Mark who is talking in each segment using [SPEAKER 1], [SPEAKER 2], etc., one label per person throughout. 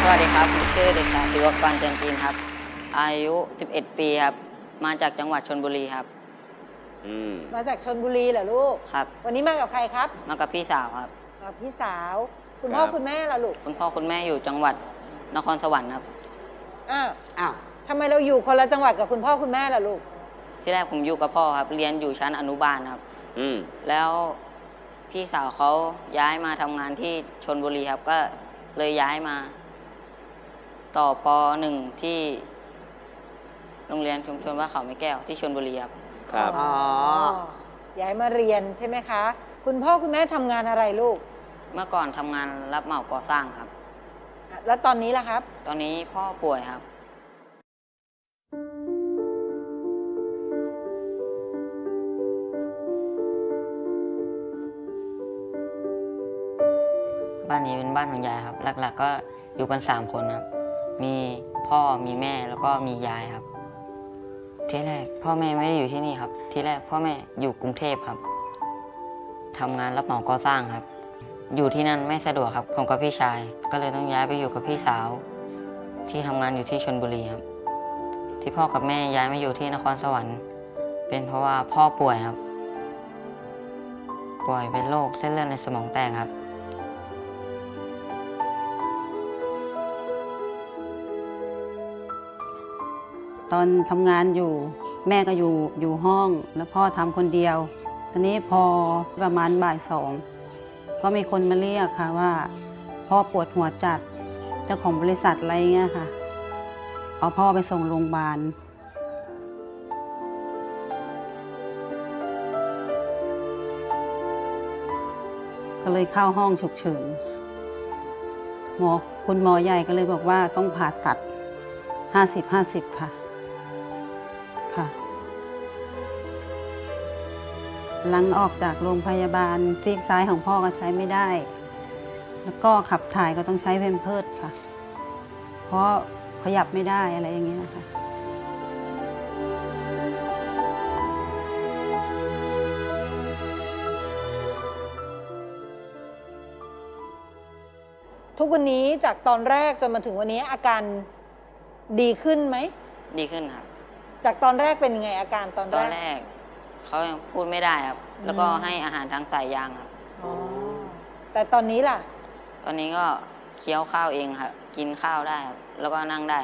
[SPEAKER 1] วัสดีครับผมชื่อเด็กชายศิวกรเตือนจีนครับอายุ11ปีครับมาจากจังหวัดชลบุรีครับ
[SPEAKER 2] มาจากชลบุรีเหรอลูก
[SPEAKER 1] ครับ
[SPEAKER 2] วันนี้มากับใครครับ
[SPEAKER 1] มากับพี่สาวครับ
[SPEAKER 2] กับพี่สาวคุณพ่อคุณแม่ล่ะลูก
[SPEAKER 1] คุณพ่อคุณแม่อยู่จังหวัดนครสวรรค์ครับ
[SPEAKER 2] อ้าวทำไมเราอยู่คนละจังหวัดกับคุณพ่อคุณแม่ล่ะลูก
[SPEAKER 1] ที่แรกผมอยู่กับพ่อครับเรียนอยู่ชั้นอนุบาลครับแล้วพี่สาวเขาย้ายมาทำงานที่ชลบุรีครับก็เลยย้ายมาต่อป .1 ที่โรงเรียนชุมชนว่าเขาไม้แก้วที่ชลบุรีครับ
[SPEAKER 3] ครับ
[SPEAKER 2] ย้ายมาเรียนใช่ไหมคะคุณพ่อคุณแม่ทำงานอะไรลูก
[SPEAKER 1] เมื่อก่อนทำงานรับเหมาก่อสร้างครับ
[SPEAKER 2] แล้วตอนนี้ล่ะครับ
[SPEAKER 1] ตอนนี้พ่อป่วยครับบ้านนี้เป็นบ้านของยายครับหลักๆก็อยู่กัน3 คนครับมีพ่อมีแม่แล้วก็มียายครับที่แรกพ่อแม่ไม่ได้อยู่ที่นี่ครับที่แรกพ่อแม่อยู่กรุงเทพครับทำงานรับเหมาก่อสร้างครับอยู่ที่นั่นไม่สะดวกครับผมกับพี่ชายก็เลยต้องย้ายไปอยู่กับพี่สาวที่ทำงานอยู่ที่ชลบุรีครับที่พ่อกับแม่ย้ายมาอยู่ที่นครสวรรค์เป็นเพราะว่าพ่อป่วยครับป่วยเป็นโรคเส้นเลือดในสมองแตกครับ
[SPEAKER 4] ตอนทำงานอยู่แม่ก็อยู่ห้องแล้วพ่อทำคนเดียวทีนี้พอประมาณบ่าย 2ก็มีคนมาเรียกค่ะว่าพ่อปวดหัวจัดเจ้าของบริษัทอะไรเงี้ยค่ะเอาพ่อไปส่งโรงพยาบาลก็เลยเข้าห้องฉุกเฉินคุณหมอใหญ่ก็เลยบอกว่าต้องผ่าตัด50-50ค่ะหลังออกจากโรงพยาบาลซีกซ้ายของพ่อก็ใช้ไม่ได้แล้วก็ขับถ่ายก็ต้องใช้เพมเพิร์สค่ะเพราะขยับไม่ได้อะไรอย่างเงี้ยค่ะ
[SPEAKER 2] ทุกวันนี้จากตอนแรกจนมาถึงวันนี้อาการดีขึ้นไหม
[SPEAKER 1] ดีขึ้นครับ
[SPEAKER 2] จากตอนแรกเป็นยังไงอาการตอนแรก
[SPEAKER 1] เขายังพูดไม่ได้ครับแล้วก็ให้อาหารทางสายยางครับ
[SPEAKER 2] แต่ตอนนี้ล่ะ
[SPEAKER 1] ตอนนี้ก็เคี้ยวข้าวเองครับกินข้าวได้ครับแล้วก็นั่งได้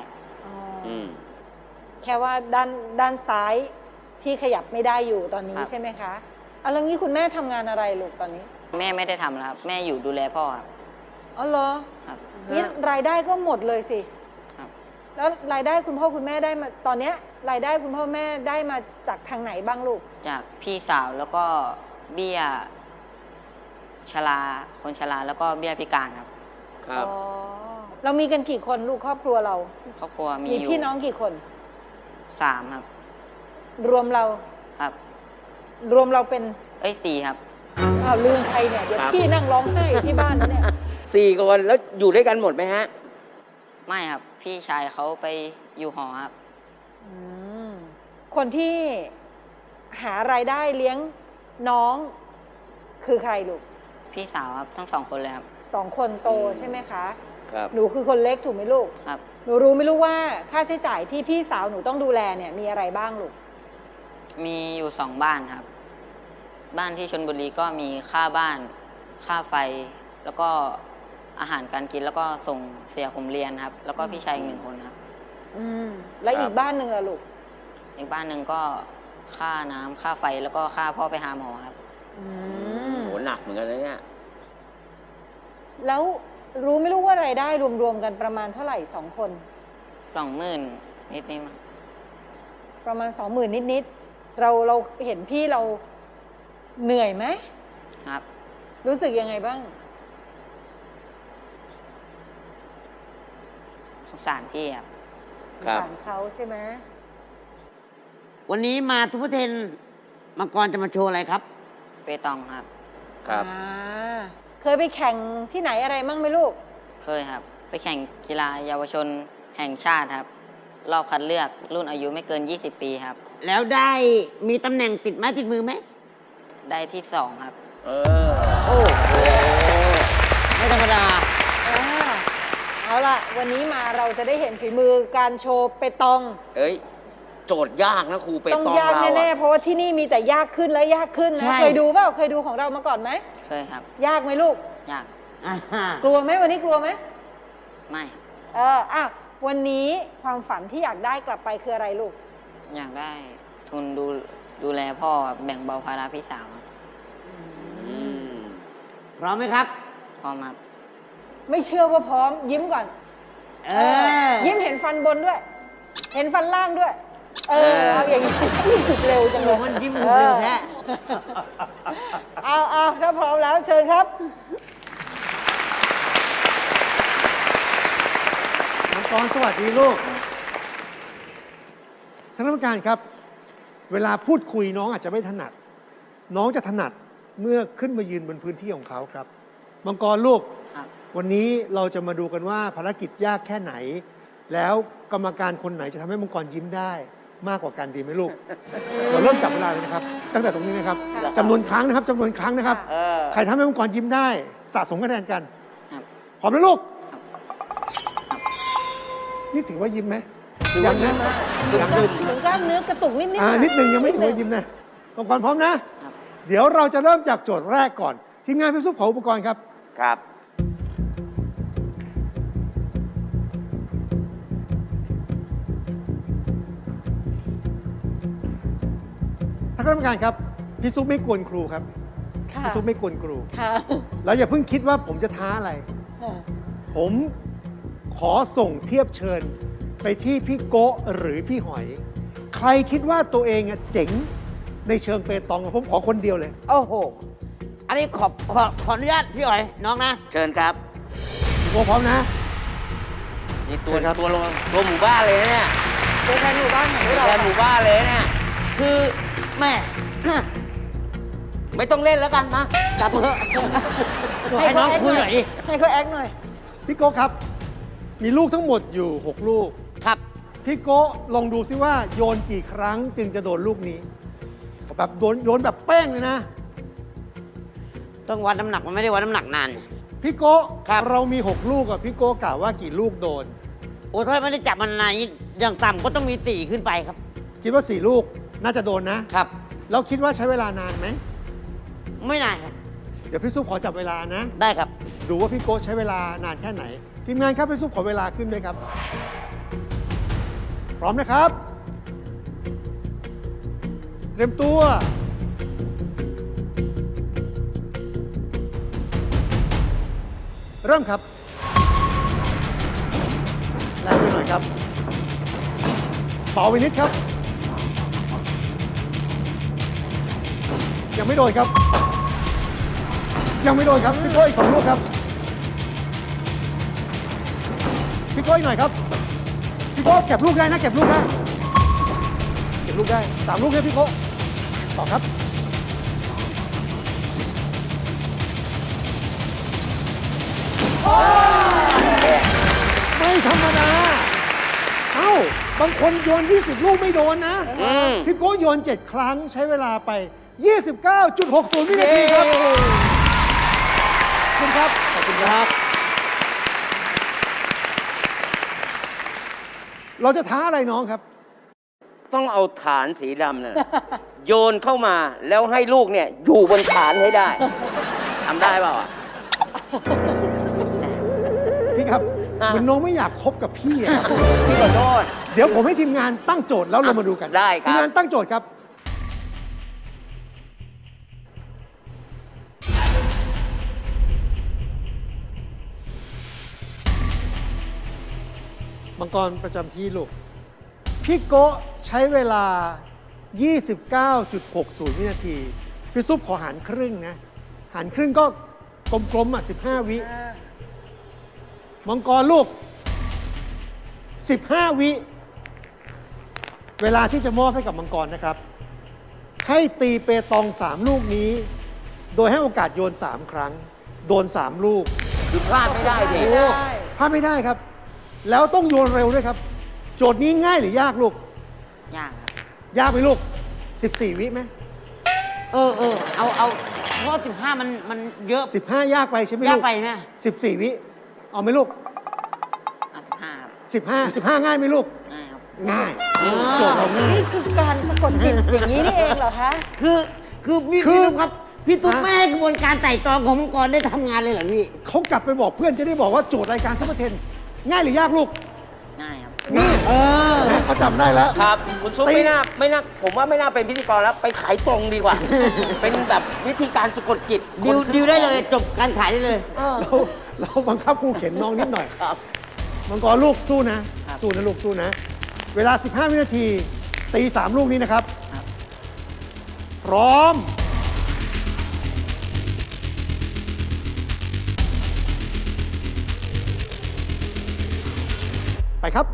[SPEAKER 2] แค่ว่าด้านซ้ายที่ขยับไม่ได้อยู่ตอนนี้ใช่ไหมคะแล้วงี้คุณแม่ทำงานอะไรลูกตอนนี้
[SPEAKER 1] แม่ไม่ได้ทำแล้วครับแม่อยู่ดูแลพ่อครับ
[SPEAKER 2] อ๋อเหรอ
[SPEAKER 1] ครับ
[SPEAKER 2] นี่รายได้ก็หมดเลยสิครับแล้วรายได้คุณพ่อคุณแม่ได้มาตอนนี้รายได้คุณพ่อแม่ได้มาจากทางไหนบ้างลูก
[SPEAKER 1] จากพี่สาวแล้วก็เบี้ยชราคนชราแล้วก็เบี้ยพิการครับ
[SPEAKER 2] ครับเรามีกันกี่คนลูกครอบครัวเรา
[SPEAKER 1] ครอบครัวมี
[SPEAKER 2] พี่น้องกี่คน
[SPEAKER 1] 3ครับ
[SPEAKER 2] รวมเรา
[SPEAKER 1] ครับ
[SPEAKER 2] รวมเราเป็น
[SPEAKER 1] 4ครับ
[SPEAKER 2] ลืมใครเนี่ยเดี๋ยวพี่นั่งร้องไห้อยู่ที่บ้านเนี่ย
[SPEAKER 3] 4 คนแล้วอยู่ด้วยกันหมดไหมฮะ
[SPEAKER 1] ไม่ครับพี่ชายเขาไปอยู่หอครับ
[SPEAKER 2] คนที่หารายได้เลี้ยงน้องคือใครลูก
[SPEAKER 1] พี่สาวครับทั้ง2 คนเลยครับ
[SPEAKER 2] 2 คนโตใช่ไหมคะ
[SPEAKER 3] ครับ
[SPEAKER 2] หนูคือคนเล็กถูกไหมลูก
[SPEAKER 1] ครับ
[SPEAKER 2] หนูรู้ไม่รู้ว่าค่าใช้จ่ายที่พี่สาวหนูต้องดูแลเนี่ยมีอะไรบ้างลูก
[SPEAKER 1] มีอยู่2 บ้านครับบ้านที่ชลบุรีก็มีค่าบ้านค่าไฟแล้วก็อาหารการกินแล้วก็ส่งเสียผมเรียนครับแล้วก็พี่ชายอีก1 คนครับ
[SPEAKER 2] แล้วอีกบ้านหนึ่งล่ะลูก
[SPEAKER 1] อีกบ้านหนึ่งก็ค่าน้ำค่าไฟแล้วก็ค่าพ่อไปหาหมอครับ
[SPEAKER 3] โหหนักเหมือนกันนะเนี่ย
[SPEAKER 2] แล้วรู้ไม่รู้ว่ารายได้รวมๆกันประมาณเท่าไหร่2 คน
[SPEAKER 1] 20,000นิด
[SPEAKER 2] ประมาณ20,000นิดเราเห็นพี่เราเหนื่อยไหม
[SPEAKER 1] ครับ
[SPEAKER 2] รู้สึกยังไงบ้าง
[SPEAKER 1] สงสารพี่ครับ
[SPEAKER 2] สงสารเขาใช่ไหม
[SPEAKER 5] วันนี้มาทุพเทนมังกรจะมาโชว์อะไรครับ
[SPEAKER 1] เปตองครับ
[SPEAKER 3] ครับ
[SPEAKER 2] เคยไปแข่งที่ไหนอะไรมั่งไหมลูก
[SPEAKER 1] เคยครับไปแข่งกีฬาเยาวชนแห่งชาติครับรอบคัดเลือกรุ่นอายุไม่เกิน20 ปีครับ
[SPEAKER 5] แล้วได้มีตำแหน่งติดไม้ติดมือไหม
[SPEAKER 1] ได้ที่2ครับ
[SPEAKER 5] โอ้โหไม่ธรรมดา
[SPEAKER 2] เอาเอาล่ะ วันนี้มาเราจะได้เห็นฝีมือการโชว์เปตอง
[SPEAKER 3] เอ้ย โจทย์ยากนะครูเป
[SPEAKER 2] ต้อง
[SPEAKER 3] ตอง
[SPEAKER 2] ยาก
[SPEAKER 3] เรา
[SPEAKER 2] แน่ๆ
[SPEAKER 3] อะ
[SPEAKER 2] เพราะว่าที่นี่มีแต่ยากขึ้นและยากขึ้นนะ
[SPEAKER 5] ใช่
[SPEAKER 2] เคยดูเปล่าเคยดูของเรามาก่อนไหม
[SPEAKER 1] เคยครับ
[SPEAKER 2] ยากไหมลูก
[SPEAKER 1] ยาก
[SPEAKER 5] อ่าฮะ
[SPEAKER 2] กลัวไหมวันนี้กลัวไหม
[SPEAKER 1] ไม่ครับ
[SPEAKER 2] อ่ะวันนี้ความฝันที่อยากได้กลับไปคืออะไรลูก
[SPEAKER 1] อยากได้ทุนดูแลพ่อครับแบ่งเบาภาระพี่สาวครับ
[SPEAKER 3] อืม
[SPEAKER 5] พร้อมไหมครับ
[SPEAKER 1] พร้อมครับ
[SPEAKER 2] ไม่เชื่อว่าพร้อมยิ้มก่อน ยิ้มเห็นฟันบนด้วย เห็นฟันล่างด้วย เอาอย่างนี้ เร็วจังเลย
[SPEAKER 5] มันยิ้มเร็วแท้
[SPEAKER 2] เอาถ้าพร้อมแล้วเชิญครับ
[SPEAKER 6] มังกรสวัสดีลูกท่านกรรมการครับ เวลาพูดคุยน้องอาจจะไม่ถนัด น้องจะถนัดเมื่อขึ้นมายืนบนพื้นที่ของเขาครับ มังกรลูก
[SPEAKER 1] ครับ
[SPEAKER 6] วันนี้เราจะมาดูกันว่าภารกิจยากแค่ไหน แล้วกรรมการคนไหนจะทำให้มังกรยิ้มได้มากกว่ากันดีไหมลูก เราเริ่มจับเวลาเลยนะครับ ตั้งแต่ตรงนี้นะครับ
[SPEAKER 2] ค่ะ
[SPEAKER 6] จำนวนครั้งนะครับจำนวนครั้งนะครับ
[SPEAKER 3] เออ
[SPEAKER 6] ใครทำให้มังกรยิ้มได้สะสมคะแนนกัน
[SPEAKER 1] ครับ
[SPEAKER 6] พร้อมนะลูก
[SPEAKER 1] ครับ
[SPEAKER 6] นี่ถือว่ายิ้มไหมยังนะยัง
[SPEAKER 2] ถึงกล้ามเนื้อกระตุกนิดๆ
[SPEAKER 6] นิดนึงยังไม่ถือว่ายิ้มนะมังกรพร้อมนะ
[SPEAKER 1] ครับ
[SPEAKER 6] เดี๋ยวเราจะเริ่มจากโจทย์แรกก่อน ทีมงานพี่ซุปขออุปกรณ์ครับ
[SPEAKER 3] ครับ
[SPEAKER 6] ท่านคณะกรรมการครับพี่ซุปไม่กวนครูครับ
[SPEAKER 2] ค่ะ
[SPEAKER 6] พี่ซุปไม่กวนครู
[SPEAKER 2] ค่ะ
[SPEAKER 6] แล้วอย่าเพิ่งคิดว่าผมจะท้าอะไร ผมขอส่งเทียบเชิญไปที่พี่โกะหรือพี่หอย ใครคิดว่าตัวเองอะเจ๋งในเชิงเปตองผมขอคนเดียวเลย
[SPEAKER 5] โอ้โห อันนี้ขออนุญาตพี่อ๋อยน้องนะ
[SPEAKER 3] เชิญครับ
[SPEAKER 6] พี่โกะพร้อมนะ
[SPEAKER 3] นี่ตัว
[SPEAKER 6] เชิญครับ
[SPEAKER 3] ตัวหมู่บ้านเลยนะเนี่ย
[SPEAKER 2] เจอแทนหมู่บ้านของพวกเรา
[SPEAKER 3] แทนหมู่บ้านเลยเนี่ย
[SPEAKER 5] คือแม่
[SPEAKER 3] ไม่ต้องเล่นแล้วกันนะกลับเถอะ
[SPEAKER 5] ให้น้องคุยหน่อยดิ
[SPEAKER 2] ให้เขาแอคหน่อย
[SPEAKER 6] พี่โกะครับ มีลูกทั้งหมดอยู่ 6 ลูก
[SPEAKER 5] ครับ
[SPEAKER 6] พี่โกะลองดูซิว่าโยนกี่ครั้งจึงจะโดนลูกนี้แบบโยนแบบเป้งเลยนะ
[SPEAKER 5] ต้องวัดน้ำหนักมันไม่ได้วัดน้ำหนักนาน
[SPEAKER 6] พี่โกะ
[SPEAKER 5] ครับ
[SPEAKER 6] เรามี 6 ลูกอะพี่โกะกล่าวว่ากี่ลูกโดน
[SPEAKER 5] โอ้ถ้าไม่ได้จับมันนานนี้อย่างต่ำก็ต้องมี4ขึ้นไปครับ
[SPEAKER 6] คิดว่า 4 ลูกน่าจะโดนนะ
[SPEAKER 5] ครับ
[SPEAKER 6] แล้วคิดว่าใช้เวลานานไหม
[SPEAKER 5] ไม่นานครับ
[SPEAKER 6] เดี๋ยวพี่ซุปขอจับเวลานะ
[SPEAKER 5] ได้ครับ
[SPEAKER 6] ดูว่าพี่โกะใช้เวลานานแค่ไหน ทีมงานครับพี่ซุปขอเวลาขึ้นด้วยครับ พร้อมนะครับ เตรียมตัว เริ่มครับแรงไปหน่อยครับเบาไปนิดครับ ยังไม่โดนครับ ยังไม่โดนครับ พี่โก้อีก2 ลูกครับ พี่โก้อีกหน่อยครับ พี่โก้เก็บลูกได้นะ เก็บลูกได้ เก็บลูกได้3 ลูกเลยพี่โก้ต่อครับ ไม่ธรรมดา เอ้า บางคนโยน 20 ลูกไม่โดนนะ
[SPEAKER 3] อืม
[SPEAKER 6] พี่โก้โยน 7 ครั้งใช้เวลาไป 29.60 วินาทีครับ ขอบคุณครับ ขอบคุณครับ เราจะท้าอะไรน้องครับ
[SPEAKER 3] ต้องเอาฐานสีดำน่ะ โยนเข้ามาแล้วให้ลูกเนี่ยอยู่บนฐานให้ได้ทำได้เปล่าอ่ะ
[SPEAKER 6] พี่ครับ
[SPEAKER 3] อ่ะ
[SPEAKER 6] เหมือนน้องไม่อยากคบกับพี่อะ
[SPEAKER 3] พี่ขอโทษ
[SPEAKER 6] เดี๋ยวผมให้ทีมงานตั้งโจทย์แล้วเรามาดูกัน
[SPEAKER 3] ได้ครับ
[SPEAKER 6] ทีมงานตั้งโจทย์ครับ มังกรประจำที่ลูก พี่โกะใช้เวลา 29.60 วินาที พี่ซุปขอหารครึ่งนะ หารครึ่งก็กลมๆอ่ะ 15 วิ มังกรลูก 15 วิ เวลาที่จะมอบให้กับมังกรนะครับ ให้ตีเปตอง 3 ลูกนี้ โดยให้โอกาสโยน 3 ครั้ง โดน 3 ลูก
[SPEAKER 3] คือพลาดไม่ได้ดิ
[SPEAKER 2] ได้
[SPEAKER 6] พลาดไม่ได้ครับ แล้วต้องโยนเร็วด้วยครับ โจทย์นี้ง่ายหรือยากลูก
[SPEAKER 1] ยากครับ
[SPEAKER 6] ยากไหมลูก 14 วิไหม
[SPEAKER 5] เอาเพราะ15มันเยอะ
[SPEAKER 6] 15 ยากไปใช่ไหมลูก
[SPEAKER 5] ยากไปไหม
[SPEAKER 6] 14 วิ เอาไหมลูก 15ง่ายไหมลูก
[SPEAKER 1] ง่ายครับ
[SPEAKER 6] ง่ายโจทย์เราง่าย
[SPEAKER 2] นี่คือการสะกดจิตอย่างนี้นี่เองเหรอคะ
[SPEAKER 5] คือพี่
[SPEAKER 6] คือ
[SPEAKER 5] ตุ๊กครับ พี่ตุ๊ก
[SPEAKER 6] ฮะ
[SPEAKER 5] ไม่ให้กระบวนการไต่ตรองของมังกรได้ทำงานเลยเหรอพี่
[SPEAKER 6] เขากลับไปบอกเพื่อนจะได้บอกว่าโจทย์รายการซุปเปอร์เทนง่ายหรือยากลูก
[SPEAKER 1] ง่ายครับ
[SPEAKER 6] ง่าย
[SPEAKER 5] เออ
[SPEAKER 6] นะเขาจำได้แล้ว
[SPEAKER 3] ครับ คุณซุป
[SPEAKER 6] ตี
[SPEAKER 3] ไม่น่าผมว่าไม่น่าเป็นพิธีกรแล้ว ไปขายตรงดีกว่า เป็นแบบวิธีการสะกดจิต
[SPEAKER 5] ดิว
[SPEAKER 3] คนซื้อ
[SPEAKER 5] ดิวได้เลยจบการขายได้เลย
[SPEAKER 6] เราบังคับครูเข็นน้องนิดหน่อย
[SPEAKER 3] ครับ
[SPEAKER 6] มังกรลูกสู้นะ
[SPEAKER 1] ครับ
[SPEAKER 6] สู้นะลูกสู้นะ เวลา 15 วินาที ตี 3 ลูกนี้นะครับ
[SPEAKER 1] ครับ
[SPEAKER 6] พร้อม ไปครับ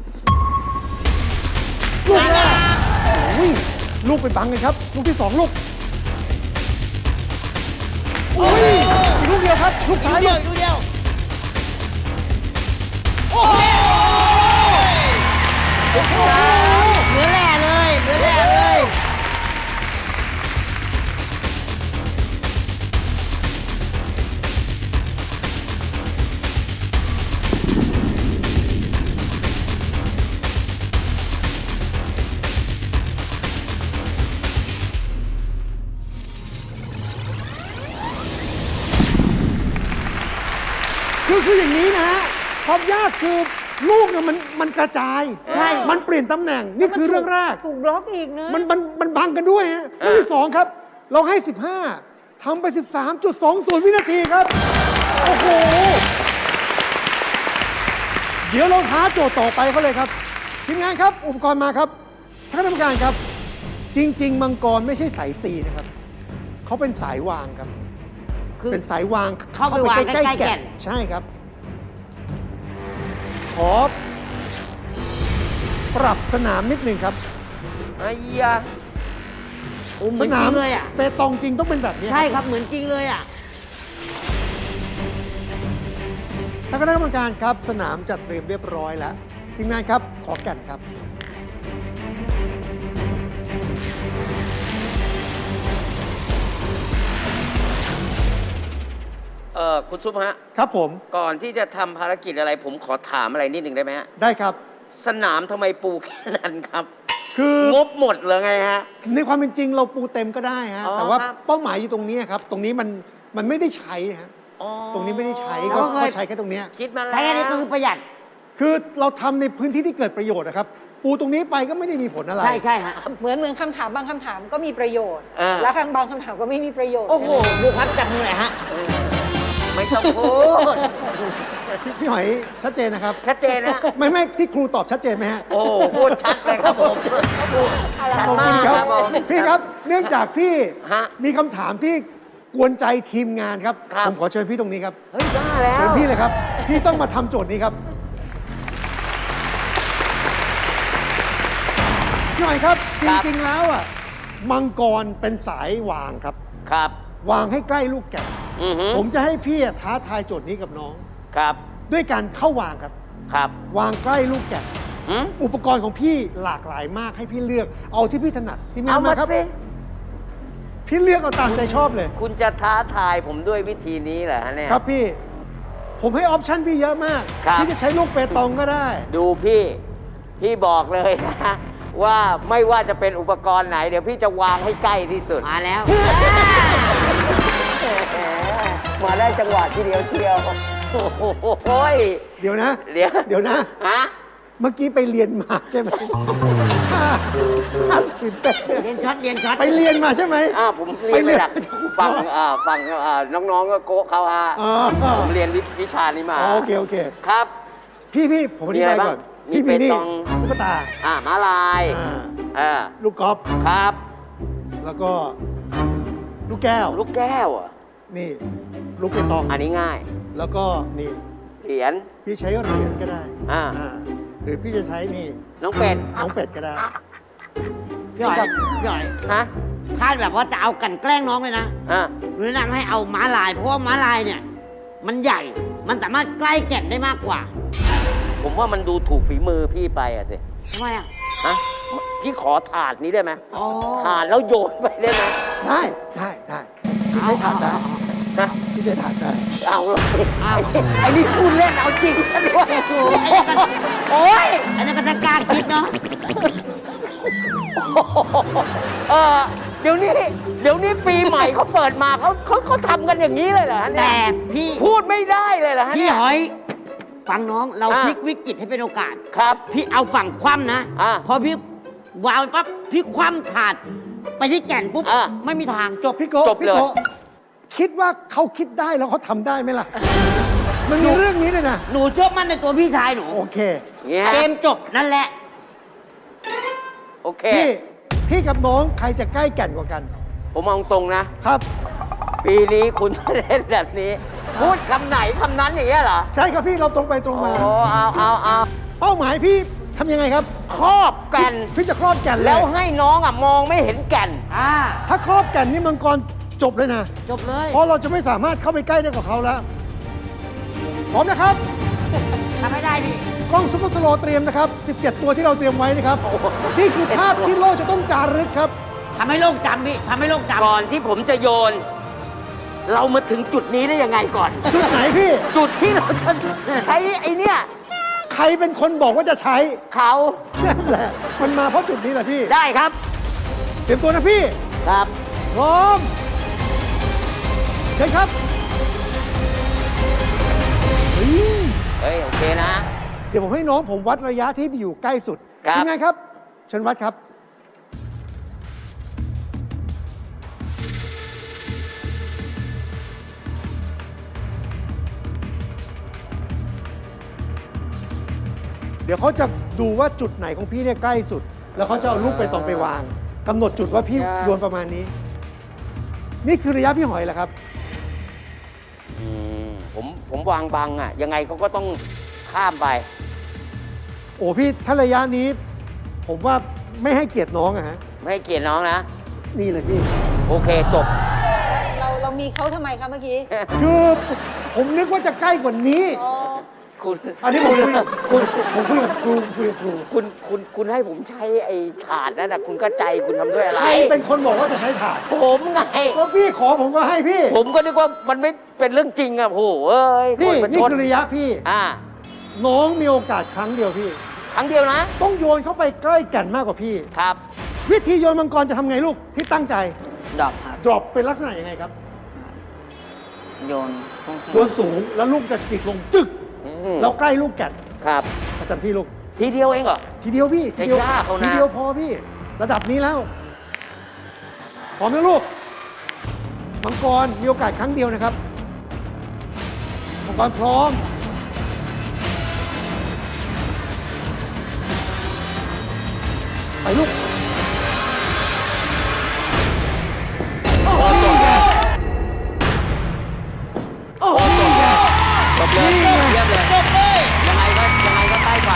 [SPEAKER 6] ลูกแรกโอ้ยลูกไปบังเลยครับ ลูกที่ 2 ลูกโอ้ยอีกลูกเดียวครับ ลูกซ้ายลูก
[SPEAKER 5] ดูเดียว
[SPEAKER 6] โอ้โห
[SPEAKER 5] เหลือแหล่เลยเหลือแหล่เลย
[SPEAKER 6] คืออย่างนี้นะฮะความยากคือลูกเนี่ยมันกระจาย
[SPEAKER 5] ใช่
[SPEAKER 6] มันเปลี่ยนตำแหน่ง นี่คือเรื่องแรก
[SPEAKER 2] ถูกบล็อกอีกนะ
[SPEAKER 6] มันบังกันด้วยฮะเรื่องที่ 2 ครับ เราให้ 15ทำไป 13.20 วินาทีครับ โอ้โห เดี๋ยวเราท้าโจทย์ต่อไปเขาเลยครับ ทีมงานครับ อุปกรณ์มาครับท่านคณะกรรมการครับ จริง ๆ มังกรไม่ใช่สายตีนะครับ เขาเป็นสายวางครับ
[SPEAKER 5] คือ
[SPEAKER 6] เป็นสายวาง
[SPEAKER 5] เข้าไปวางใกล้ๆแก่น
[SPEAKER 6] ใช่ครับ ขอปรับสนามนิดหนึ่งครับ
[SPEAKER 3] ไอ้ยา
[SPEAKER 5] โอ้เหมื
[SPEAKER 6] ส
[SPEAKER 5] อน
[SPEAKER 6] นา
[SPEAKER 5] จ
[SPEAKER 6] ม
[SPEAKER 5] ริงเลยอ่ะ
[SPEAKER 6] เปตองจริงต้องเป็นแบบนี้
[SPEAKER 5] ใช่ครับเหมือนจริงเลยอ่ะ
[SPEAKER 6] ท่านคณะกรรมการครับ สนามจัดเตรียมเรียบร้อยแล้วทีมงานครับ ขอแก่นครับ
[SPEAKER 3] คุณซุปฮะ
[SPEAKER 6] ครับผม
[SPEAKER 3] ก่อนที่จะทำภารกิจอะไร ผมขอถามอะไรนิดหนึ่งได้ไหมฮะ
[SPEAKER 6] ได้ครับ
[SPEAKER 3] สนามทำไมปูแค่นั้นครับ
[SPEAKER 6] คือ
[SPEAKER 3] งบหมดเลยไงฮะ
[SPEAKER 6] ในความเป็นจริงเราปูเต็มก็ได้ฮะ
[SPEAKER 3] อ๋อ
[SPEAKER 6] แต่ว่า
[SPEAKER 3] ครับ
[SPEAKER 6] เป้าหมายอยู่ตรงนี้ครับ ตรงนี้มันไม่ได้ใช้ฮะ
[SPEAKER 3] อ๋อ
[SPEAKER 6] ตรงนี้ไม่ได้ใช้
[SPEAKER 5] เรา
[SPEAKER 6] ก็
[SPEAKER 5] ก็เคย
[SPEAKER 6] ใช้แค่ตรงเนี้ย
[SPEAKER 3] คิดมาแล้ว
[SPEAKER 5] ใช้แค่นี้ก็คือประหยัด
[SPEAKER 6] คือเราทำในพื้นที่ที่เกิดประโยชน์นะครับ ปูตรงนี้ไปก็ไม่ได้มีผลอะไร
[SPEAKER 5] ใช่ใช่ฮะ
[SPEAKER 2] เหมือนคำถามบางคำถามก็มีประโยชน์
[SPEAKER 3] อ่า
[SPEAKER 2] แล้วบางคำถามก็ไม่มีประโยชน์
[SPEAKER 5] โอ้โห
[SPEAKER 2] ใช่ไม
[SPEAKER 5] ดูครับจับมือหน่อยฮะ
[SPEAKER 3] ไม่ต้องพูด
[SPEAKER 6] พี่หอยชัดเจนนะครับ
[SPEAKER 3] ชัดเจนนะ
[SPEAKER 6] ไม่ที่ครูตอบชัดเจนไหมฮะ
[SPEAKER 3] โอ้พูดชัดเลยครับผมชัด
[SPEAKER 6] ขอบ
[SPEAKER 3] มา
[SPEAKER 6] คุณ
[SPEAKER 3] ก
[SPEAKER 6] ค
[SPEAKER 3] ค
[SPEAKER 6] รั
[SPEAKER 3] รั
[SPEAKER 6] บบ
[SPEAKER 3] ผม
[SPEAKER 6] พี่ครับ เนื่องจากพี่
[SPEAKER 3] ฮะ
[SPEAKER 6] มีคำถามที่กวนใจทีมงานครับ
[SPEAKER 3] ครับ
[SPEAKER 6] ผมขอเชิญพี่ตรงนี้ครับ
[SPEAKER 3] เฮ้ยบ้าแล้ว
[SPEAKER 6] เชิญพี่เลยครับ พี่ต้องมาทำโจทย์นี้ครับพี่หน่อยครับ จริงๆแล้วอ่ะมังกรเป็นสายวางครับ
[SPEAKER 3] ครับ
[SPEAKER 6] วางให้ใกล้ลูกแก่น
[SPEAKER 3] อือฮึ
[SPEAKER 6] ผมจะให้พี่ท้าทายโจทย์นี้กับน้อง
[SPEAKER 3] ครับ
[SPEAKER 6] ด้วยการเข้าวางครับ
[SPEAKER 3] ครับ
[SPEAKER 6] วางใกล้ลูกแก่น
[SPEAKER 3] หืม
[SPEAKER 6] อุปกรณ์ของพี่หลากหลายมากให้พี่เลือก เอาที่พี่ถนัดทีมงา
[SPEAKER 3] เอา
[SPEAKER 6] น
[SPEAKER 3] มา
[SPEAKER 6] มาครับ
[SPEAKER 3] สิ
[SPEAKER 6] พี่เลือกเอาตามใจชอบเลย
[SPEAKER 3] คุณจะท้าทายผมด้วยวิธีนี้เหรอฮะเนี่ย
[SPEAKER 6] ครับพี่ ผมให้ออปชั่นพี่เยอะมาก
[SPEAKER 3] ครับ
[SPEAKER 6] พี่จะใช้ลูกเปตองก็ได้
[SPEAKER 3] ดูพี่บอกเลยนะ ว่าไม่ว่าจะเป็นอุปกรณ์ไหน เดี๋ยวพี่จะวางให้ใกล้ที่สุด
[SPEAKER 5] มาแล้ว
[SPEAKER 3] มาได้จังหวะทีเดียวเชียวโอ้โหย
[SPEAKER 6] เดี๋ยวนะ
[SPEAKER 3] เดี๋ยว
[SPEAKER 6] เดี๋ยวนะ
[SPEAKER 3] ฮะ
[SPEAKER 6] เมื่อกี้ไปเรียนมาใช่ไหมตื่นเต้น
[SPEAKER 5] เรียนช็อตเรียนช็อต
[SPEAKER 6] ไปเรียนมาใช่ไหม
[SPEAKER 3] ผมเรียนมาจากฝั่งน้องๆก็โกะเขาฮะ
[SPEAKER 6] อ๋อ
[SPEAKER 3] ผมเรียนวิชานี้มา
[SPEAKER 6] อ๋อโอเคโอเค
[SPEAKER 3] ครับ
[SPEAKER 6] พี่ผมอธิบายก่อน
[SPEAKER 3] มี
[SPEAKER 6] พี่
[SPEAKER 3] อะไรบ้าง
[SPEAKER 6] มีนี่
[SPEAKER 3] มีเปตอง
[SPEAKER 6] ตุ๊กตา
[SPEAKER 3] ม้าลาย
[SPEAKER 6] อ่าลูกกอล์ฟ
[SPEAKER 3] ครับ
[SPEAKER 6] แล้วก็ลูกแก้ว
[SPEAKER 3] ลูกแก้วอ่ะ
[SPEAKER 6] นี่ ลูกเปตอง
[SPEAKER 3] อันนี้ง่าย
[SPEAKER 6] แล้วก็นี่
[SPEAKER 3] เหรียญ
[SPEAKER 6] พี่ใช้เหรียญก็ได้
[SPEAKER 3] อ่า
[SPEAKER 6] หรือพี่จะใช้นี่
[SPEAKER 3] น้องเป็ด
[SPEAKER 6] น้องเป็ดก็ได้
[SPEAKER 5] พี่หอยพี่หอย
[SPEAKER 3] ฮะ
[SPEAKER 5] คาดแบบว่าจะเอากลันแกล้งน้องเลยนะ
[SPEAKER 3] อ่ะ
[SPEAKER 5] หนูแนะนำให้เอาม้าลาย เพราะว่าม้าลายเนี่ย มันใหญ่ มันสามารถใกล้แก่นได้มากกว่า
[SPEAKER 3] ผมว่ามันดูถูกฝีมือพี่ไปอะสิ
[SPEAKER 5] ทำไมอ่ะ
[SPEAKER 3] ฮะ พี่ขอถาดนี้ได้ไหม
[SPEAKER 5] อ๋อ
[SPEAKER 3] ถาดแล้วโยนไปได้ไหม
[SPEAKER 6] ได้พี่ใช้ถาดได้
[SPEAKER 3] นะ
[SPEAKER 6] ที่ใช้ถ่านได้
[SPEAKER 3] เอาเลยไอ้นี่พูดเล่นเอาจริงซะด้วยโอ้ย
[SPEAKER 5] อันนี้ก็จะกล้าคิดเนาะ
[SPEAKER 3] เออเดี๋ยวนี้ปีใหม่เขาเปิดมาเขาทำกันอย่างนี้เลยเหรอฮะเนี่ย
[SPEAKER 5] แต่พี่
[SPEAKER 3] พูดไม่ได้เลยเหรอฮะ
[SPEAKER 5] พี่
[SPEAKER 3] เนี่ย
[SPEAKER 5] หอย ฟังน้องเรา
[SPEAKER 3] อ่ะ
[SPEAKER 5] พลิกวิกฤตให้เป็นโอกาส
[SPEAKER 3] ครับ
[SPEAKER 5] พี่เอาฝั่งคว่ำนะ
[SPEAKER 3] อ่ะ
[SPEAKER 5] พอพี่วางปั๊บพี่คว่ำถาดไปที่แก่นปุ๊บ
[SPEAKER 3] อ่ะ
[SPEAKER 5] ไม่มีทางจบ
[SPEAKER 6] พี่โกะ
[SPEAKER 3] จบ
[SPEAKER 6] พี่
[SPEAKER 3] เลย
[SPEAKER 6] โกะคิดว่าเขาคิดได้แล้วเขาทำได้ไหมล่ะ มันมีเรื่องนี้เลยนะ
[SPEAKER 5] หนูเชื่อมั่นในตัวพี่ชายหนู
[SPEAKER 6] โอเค
[SPEAKER 3] เนี่ย
[SPEAKER 5] เกมจบนั่นแหละ
[SPEAKER 3] โอเค
[SPEAKER 6] พี่กับน้องใครจะใกล้แก่นกว่ากัน
[SPEAKER 3] ผมมองตรงนะ
[SPEAKER 6] ครับ
[SPEAKER 3] ปีนี้คุณเล่นแบบนี้ พูดคำไหนคำนั้นอย่างเงี้ยเหรอ
[SPEAKER 6] ใช่ครับพี่เราตรงไปตรง
[SPEAKER 3] โอ้
[SPEAKER 6] มา
[SPEAKER 3] เอา
[SPEAKER 6] เป้าหมายพี่ทำยังไงครับ
[SPEAKER 3] ครอบแกัน
[SPEAKER 6] พี่จะครอบแก่นเลย
[SPEAKER 3] แล้วให้น้องอ่ะมองไม่เห็นแก่น
[SPEAKER 6] ถ้าครอบแก่นนี่มังกรจบเลยนะ
[SPEAKER 5] จบเลย
[SPEAKER 6] เพราะเราจะไม่สามารถเข้าไปใกล้ได้กับเขาแล้ว พร้อมนะครับ
[SPEAKER 5] ทำให้ได้พี่
[SPEAKER 6] กล้องซุปเปอร์สโลว์เตรียมนะครับ 17 ตัวที่เราเตรียมไว้นะครับ นี่คือภาพที่โลกจะต้องจารึกครับ
[SPEAKER 5] ทำให้โลกจำพี่ทำให้โลกจำ
[SPEAKER 3] ก่อนที่ผมจะโยน เรามาถึงจุดนี้ได้ยังไงก่อน
[SPEAKER 6] จุดไหนพี่
[SPEAKER 3] จุดที่เราจะใช้ไอ้เนี่ย
[SPEAKER 6] ใครเป็นคนบอกว่าจะใช้
[SPEAKER 3] เขา
[SPEAKER 6] นั่นแหละ มันมาเพราะจุดนี้แหละพี่
[SPEAKER 3] ได้ครับ
[SPEAKER 6] เตรียมตัวนะพี่
[SPEAKER 3] ครับ
[SPEAKER 6] พร้อม เชิญครับเฮ้ย
[SPEAKER 3] เฮ้ย โอเคนะ
[SPEAKER 6] เดี๋ยวผมให้น้องผมวัดระยะที่อยู่ใกล้สุด
[SPEAKER 3] ครับ
[SPEAKER 6] ทีมงานครับ เชิญวัดครับ เดี๋ยวเขาจะดูว่าจุดไหนของพี่เนี่ยใกล้สุด แล้วเขาจะเอาลูกไปตองไปวางกำหนดจุดว่าพี่โยนประมาณนี้ นี่คือระยะพี่หอยแหละครับ
[SPEAKER 3] ผมวางบังอ่ะ ยังไงเขาก็ต้องข้ามไป
[SPEAKER 6] โอ้พี่ถ้าระยะนี้ ผมว่าไม่ให้เกียรติน้องอะฮะ
[SPEAKER 3] ไม่ให้เกียรติน้องนะ
[SPEAKER 6] นี่เลยพี่
[SPEAKER 3] โอเคจบ
[SPEAKER 2] เรามีเขาทำไมคะเมื่อกี้
[SPEAKER 6] คือผมนึกว่าจะใกล้กว่านี้
[SPEAKER 2] อ๋อ
[SPEAKER 3] คุณ
[SPEAKER 6] อันนี้ผมคุยกับผมคุยกับครูคุยกับครู
[SPEAKER 3] คุณให้ผมใช้ไอ้ถาดนั่นนะคุณก็ใจคุณทำด้วยอะไร
[SPEAKER 6] ใครเป็นคนบอกว่าจะใช้ถาด
[SPEAKER 3] ผมไง
[SPEAKER 6] ก็พี่ขอผมก็ให้พี่
[SPEAKER 3] ผมก็นึกว่ามันไม่เป็นเรื่องจริงอ่ะโหเอ้ย
[SPEAKER 6] พี่
[SPEAKER 3] คนประ
[SPEAKER 6] นี่
[SPEAKER 3] ชด
[SPEAKER 6] คือระยะพี่
[SPEAKER 3] อ่า
[SPEAKER 6] น้องมีโอกาสครั้งเดียวพี่
[SPEAKER 3] ครั้งเดียวนะ
[SPEAKER 6] ต้องโยนเข้าไปใกล้แก่นมากกว่าพี่
[SPEAKER 3] ครับ
[SPEAKER 6] วิธีโยนมังกรจะทำไงลูกที่ตั้งใจ
[SPEAKER 1] ดรอปครับ
[SPEAKER 6] ดรอปเป็นลักษณะยังไงครับ
[SPEAKER 1] โยนพุ่งขึ้น
[SPEAKER 6] โยนสูงแล้วลูกจะจิกลงจึก แล้วใกล้ลูกแก่น
[SPEAKER 3] ครับ
[SPEAKER 6] อาจารย์พี่ลูก
[SPEAKER 3] ทีเดียวเองเหรอ
[SPEAKER 6] ทีเดียวพี่ทีเดียว
[SPEAKER 3] จะยากเอานะ
[SPEAKER 6] ทีเดียวพอพี่ ระดับนี้แล้ว พร้อมนะลูก มังกรมีโอกาสครั้งเดียวนะครับ มังกรพร้อม ไปลูก
[SPEAKER 3] จบเลยเยี่ยมเลยยังไงก็ใกล้กว่า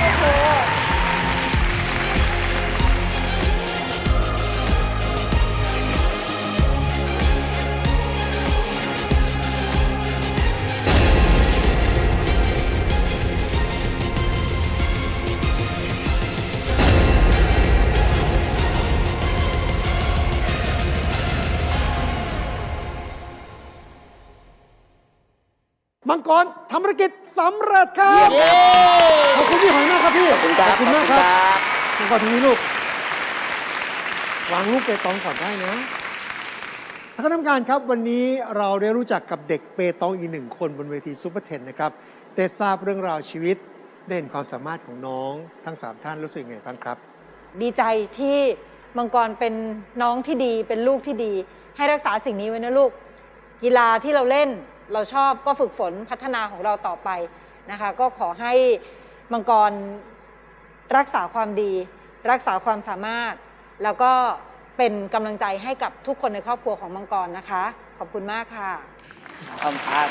[SPEAKER 6] มังกรทำภารกิจสำเร็จครับ
[SPEAKER 3] เยี่ยมครับ
[SPEAKER 6] ขอบคุณพี่หอยมากครับพี่
[SPEAKER 3] ขอบคุณครับ
[SPEAKER 6] ขอบคุณมากครับ
[SPEAKER 3] ขอบคุณครับ
[SPEAKER 6] มังกรทีนี้ลูก วางลูกเปตองก่อนได้นะท่านคณะกรรมการครับ วันนี้เราได้รู้จักกับเด็กเปตองอีกหนึ่งคนบนเวทีซูเปอร์เทนนะครับได้ทราบเรื่องราวชีวิตได้เห็นความสามารถของน้องทั้ง 3 ท่านรู้สึกยังไงบ้างครับ
[SPEAKER 2] ดีใจที่มังกรเป็นน้องที่ดีเป็นลูกที่ดี ให้รักษาสิ่งนี้ไว้นะลูก กีฬาที่เราเล่นเราชอบก็ฝึกฝนพัฒนาของเราต่อไปนะคะ ก็ขอให้มังกรรักษาความดี รักษาความสามารถ แล้วก็เป็นกำลังใจให้กับทุกคนในครอบครัวของมังกรนะคะ ขอบคุณมากค่ะ
[SPEAKER 1] ขอบคุณครับ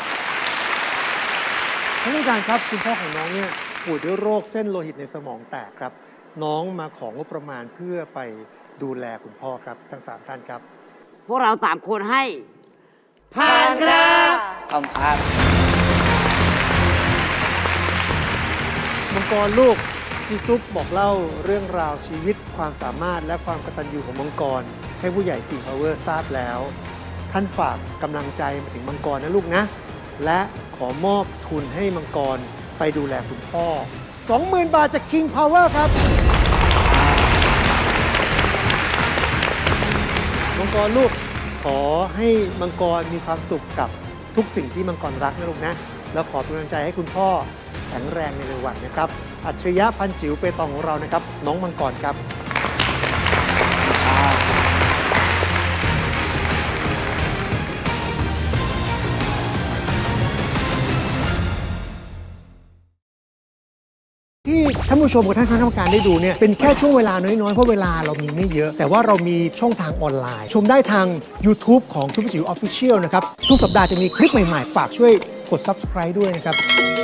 [SPEAKER 6] ท่านผู้การครับคุณพ่อของน้องเนี่ยป่วยด้วยโรคเส้นโลหิตในสมองแตกครับ น้องมาของงบประมาณเพื่อไปดูแลคุณพ่อครับทั้ง 3 ท่านครับ
[SPEAKER 5] พวกเรา3 คนให้ ผ่านครับ
[SPEAKER 1] ขอบคุณครับ
[SPEAKER 6] มังกรลูกพี่ซุปบอกเล่าเรื่องราวชีวิตความสามารถและความกตัญญูของมังกรให้ผู้ใหญ่ King Power ทราบแล้วท่านฝากกำลังใจมาถึงมังกรนะลูกนะ และขอมอบทุนให้มังกรไปดูแลคุณพ่อ 20,000 บาทจาก King Power ครับ มังกรลูกขอให้มังกรมีความสุขกับทุกสิ่งที่มังกรรักนะลูกนะ แล้วขอเป็นกำลังใจให้คุณพ่อแข็งแรงในเร็ววันนะครับ อัจฉริยะพันจิ๋วเปตองของเรานะครับ น้องมังกรครับ ที่ท่านผู้ชมกับท่านคณะกรรมการได้ดูเนี่ยเป็นแค่ช่วงเวลาน้อยๆ เพราะเวลาเรามีไม่เยอะ แต่ว่าเรามีช่องทางออนไลน์ ชมได้ทาง YouTube ของทุกจิ๋ว Official นะครับ ทุกสัปดาห์จะมีคลิปใหม่ๆ ฝากช่วยกด Subscribe ด้วยนะครับ